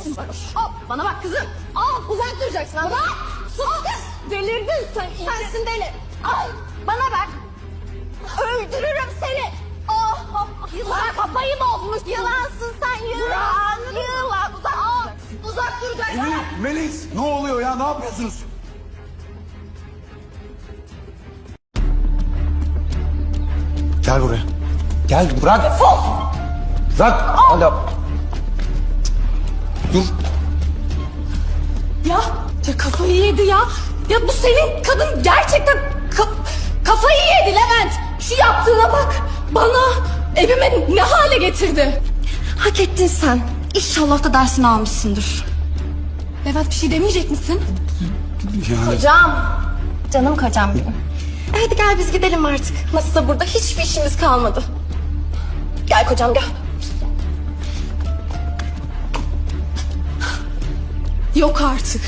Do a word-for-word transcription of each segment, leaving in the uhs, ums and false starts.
Al, bana bak kızım. Al, uzak duracaksın. Bana sus kız. Delirdin sen. Sensin deli. Al, bana bak. Öldürürüm seni. Oh, oh. Yılan kafayı bozmuş. Yılansın sen yılan. Yılan. Uzak, al, uzak duracaksın. Melis, Melis ne oluyor ya, ne yapıyorsunuz? Gel buraya. Gel bırak. Defol. Bırak. Hadi. Dur. Ya, ya kafayı yedi ya. Ya bu senin kadın gerçekten ka- kafayı yedi Levent. Şu yaptığına bak. Bana, evime ne hale getirdi. Hak ettin sen. İnşallah da dersini almışsındır. Levent bir şey demeyecek misin? Yani Kocam. Canım kocam benim. E hadi gel biz gidelim artık. Nasılsa burada hiçbir işimiz kalmadı. Gel kocam gel. Yok artık.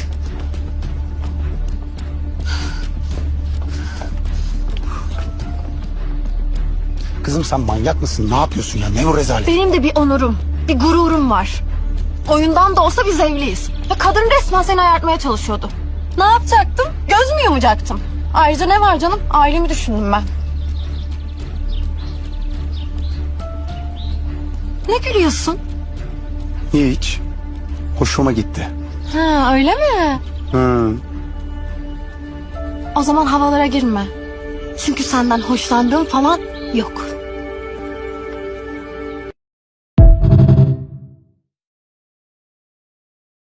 kızım sen manyak mısın? Ne yapıyorsun ya? Ne o rezalet? Benim de bir onurum, bir gururum var. Oyundan da olsa biz evliyiz. Ve kadın resmen seni ayartmaya çalışıyordu. Ne yapacaktım? Göz mü yumacaktım? Ayrıca ne var canım? Ailemi düşündüm ben. Ne gülüyorsun? Hiç. Hoşuma gitti. Ha öyle mi? Hı. O zaman havalara girme. Çünkü senden hoşlandığım falan yok.